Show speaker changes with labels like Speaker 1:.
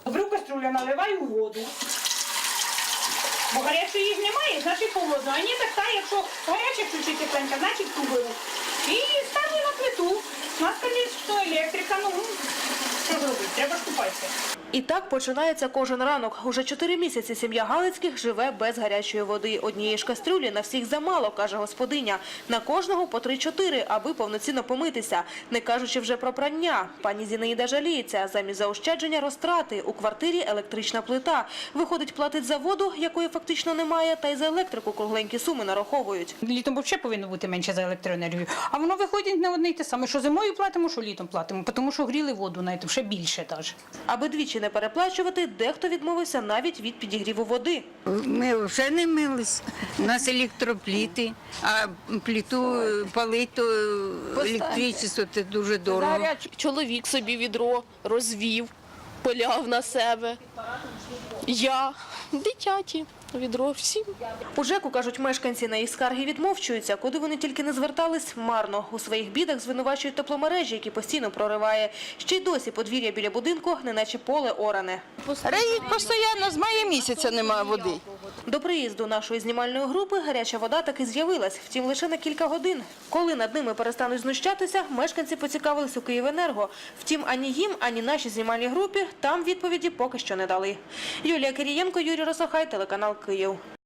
Speaker 1: Беру кастрюлю, наливаю воду. Бо гарячої їх немає, значить холодно. А ні, так та, якщо гаряче включити тепленька, значить ту беру. І ставлю на плиту. У нас, звісно, електрика, ну, що зробити, треба ж купатися.
Speaker 2: І так починається кожен ранок. Уже 4 місяці сім'я Галицьких живе без гарячої води. Однієї ж кастрюлі на всіх замало, каже господиня. На кожного по 3-4, аби повноцінно помитися. Не кажучи вже про прання. Пані Зінаїда жаліється. Замість заощадження розтрати. У квартирі електрична плита. Виходить, платить за воду, якої фактично немає, та й за електрику кругленькі суми нараховують.
Speaker 1: Літом взагалі повинно бути менше за електроенергію. А воно виходить на одне й те саме, що зимою платимо, що літом платимо. Тому що гріли воду, навіть ще більше.
Speaker 2: Аби двічі не переплачувати, дехто відмовився навіть від підігріву води.
Speaker 3: Ми вже не мились. У нас електропліти, а плиту палити, то електричество – це дуже дорого.
Speaker 4: Чоловік собі відро розвів, поляв на себе. Я, дитяті, відро всім.
Speaker 2: У ЖЕКу, кажуть мешканці, на їх скарги відмовчуються. Куди вони тільки не звертались, марно. У своїх бідах звинувачують тепломережі, які постійно прориває. Ще й досі подвір'я біля будинку, неначе поле оране.
Speaker 5: Реють постійно, з мая місяця немає води.
Speaker 2: До приїзду нашої знімальної групи гаряча вода таки з'явилась, втім лише на кілька годин. Коли над ними перестануть знущатися, мешканці поцікавились у «Київенерго». Втім, ані їм, ані нашій знімальній групі там відповіді поки що не дали. Юлія Кирієнко, Юрій Росохай, телеканал «Київ».